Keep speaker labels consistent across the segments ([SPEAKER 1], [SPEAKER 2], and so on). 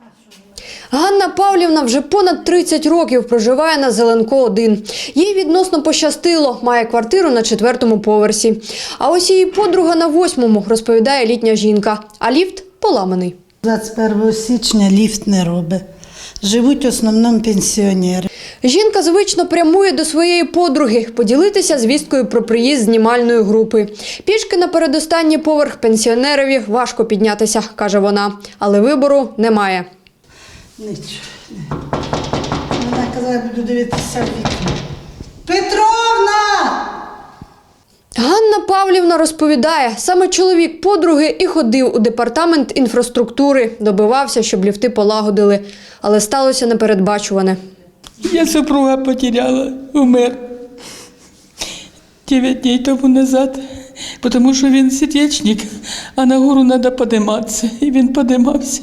[SPEAKER 1] Ганна Павлівна вже понад 30 років проживає на Зеленко-1. Їй відносно пощастило, має квартиру на 4-му поверсі. А ось її подруга на 8-му, розповідає літня жінка. А ліфт поламаний.
[SPEAKER 2] 21 січня ліфт не робить. Живуть в основному пенсіонери.
[SPEAKER 1] Жінка звично прямує до своєї подруги поділитися звісткою про приїзд знімальної групи. Пішки на передостанній поверх пенсіонерові важко піднятися, каже вона. Але вибору немає.
[SPEAKER 2] Нічого. Вона казала, я буду дивитися в вікно. Петровна!
[SPEAKER 1] Ганна Павлівна розповідає, саме чоловік подруги і ходив у департамент інфраструктури, добивався, щоб ліфти полагодили. Але сталося непередбачуване.
[SPEAKER 3] Я супруга потеряла, умер 9 днів тому назад, тому що він сердечник, а на гору треба підніматися. І він піднімався.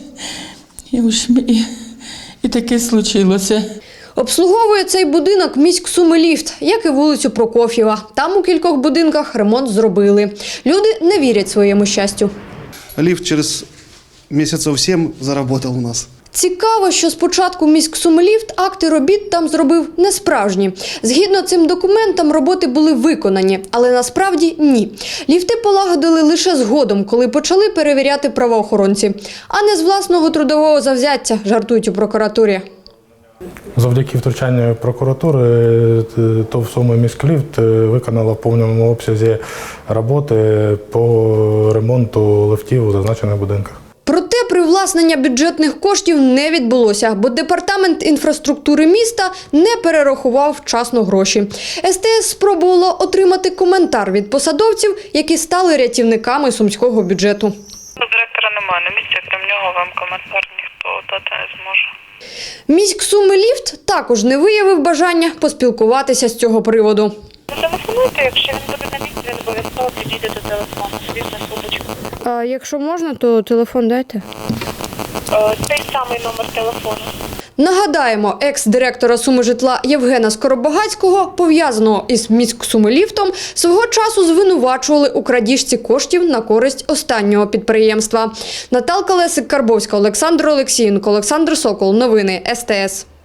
[SPEAKER 3] І таке случилося.
[SPEAKER 1] Обслуговує цей будинок міськсумиліфт, як і вулицю Прокоф'єва. Там у кількох будинках ремонт зробили. Люди не вірять своєму щастю.
[SPEAKER 4] Лифт через месяцев 7 заработал у нас.
[SPEAKER 1] Цікаво, що спочатку міськсумиліфт акти робіт там зробив несправжні. Згідно цим документам, роботи були виконані, але насправді ні. Ліфти полагодили лише згодом, коли почали перевіряти правоохоронці. А не з власного трудового завзяття, жартують у прокуратурі.
[SPEAKER 5] Завдяки втручанню прокуратури ТОВ «Суми міськліфт» виконала в повному обсязі роботи по ремонту ліфтів у зазначених будинках.
[SPEAKER 1] Проте привласнення бюджетних коштів не відбулося, бо департамент інфраструктури міста не перерахував вчасно гроші. СТС спробувало отримати коментар від посадовців, які стали рятівниками сумського бюджету.
[SPEAKER 6] Директора немає на місці, крім нього вам коментар ніхто дати не зможе.
[SPEAKER 1] Міськсумиліфт також не виявив бажання поспілкуватися з цього приводу.
[SPEAKER 6] Телефонуйте, якщо він буде на місці, він обов'язково підійде до телефону, свій на суточку.
[SPEAKER 1] А якщо можна, то телефон дайте.
[SPEAKER 6] Цей самий номер телефону.
[SPEAKER 1] Нагадаємо, екс-директора Сумижитла Євгена Скоробогацького, пов'язаного із міськсумиліфтом, свого часу звинувачували у крадіжці коштів на користь останнього підприємства. Наталка Лесик-Карбовська, Олександр Олексієнко, Олександр Сокол. Новини СТС.